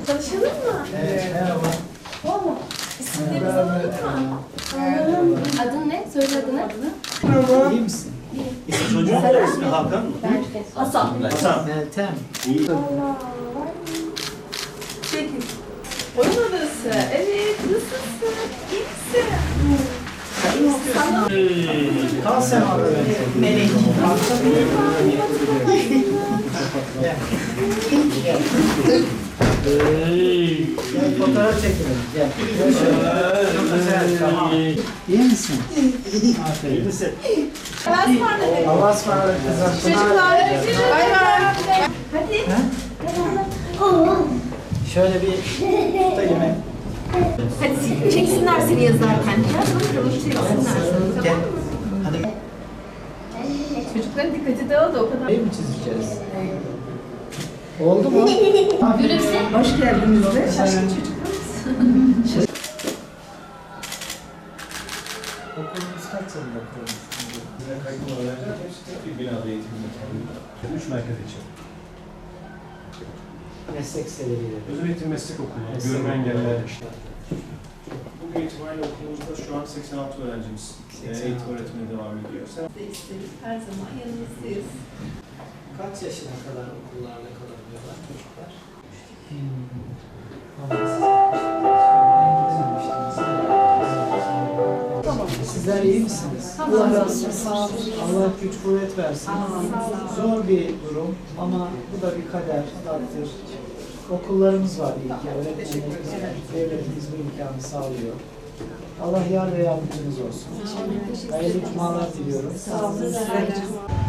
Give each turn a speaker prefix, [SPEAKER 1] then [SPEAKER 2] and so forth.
[SPEAKER 1] Tanışalım mı?
[SPEAKER 2] Evet, merhaba.
[SPEAKER 1] Valla. İsimlerimizi alalım mı? Adın ne? Söyle adını.
[SPEAKER 2] Merhaba. İyi misin?
[SPEAKER 3] Çocuğun da ismi Hakan mı?
[SPEAKER 1] Hasan.
[SPEAKER 3] Hasan.
[SPEAKER 2] Meltem.
[SPEAKER 3] İyi.
[SPEAKER 1] Çekil. Oyun odası. Evet. Nasılsın? İyi misin?
[SPEAKER 2] Kal sen orada bence.
[SPEAKER 1] Melek.
[SPEAKER 2] Gel. Gel fotoğraf çekelim. Gel. Gel şöyle. Çok güzel. Tamam. İyi misin? Aferin.
[SPEAKER 3] İyi misin?
[SPEAKER 1] Allah'a ısmarladık.
[SPEAKER 2] Allah'a ısmarladık kızım.
[SPEAKER 1] Çocuklar. Bay bay. Hadi.
[SPEAKER 2] Şöyle bir tutayım hep.
[SPEAKER 1] Hadi çeksinler seni yazarken. Gel bakalım çeksinler seni.
[SPEAKER 2] Gel.
[SPEAKER 1] Tamam mı?
[SPEAKER 2] Hadi.
[SPEAKER 1] Çocukların dikkati dağıldı o kadar.
[SPEAKER 2] Neyi mi çizeceğiz? Oldu mu?
[SPEAKER 1] Gülümse. Hoş geldiniz de. Şaşkın çocuklar.
[SPEAKER 2] Okulumuz kaç yılında kurulmuş?
[SPEAKER 4] Kayıtlı öğrenciler hepsi bir binada eğitimini alıyor. 3 merkez için.
[SPEAKER 2] Meslek seviyeli.
[SPEAKER 4] Özel eğitim meslek okulu,
[SPEAKER 2] Meslek
[SPEAKER 4] görme engelliler
[SPEAKER 2] okulu.
[SPEAKER 4] işte. Bugün itibariyle okulumuzda şu an 86 öğrencimiz
[SPEAKER 2] 86.
[SPEAKER 4] eğitim öğretimine devam ediyor.
[SPEAKER 1] İsteriz. Her zaman yanınızdayız.
[SPEAKER 2] Kaç yaşına kadar okullarda kalabiliyorlar çocuklar? Sizler iyi misiniz?
[SPEAKER 1] Allah razı olsun. Sağ olun.
[SPEAKER 2] Allah güç kuvvet versin. Zor bir durum ama bu da bir kader, takdir. Okullarımız var iyi ki, öğretmenlerimiz var. Devletimiz bu imkanı sağlıyor. Allah yar ve yardımcınız olsun. Hayırlı cumalar diliyorum.
[SPEAKER 1] Sağ olun.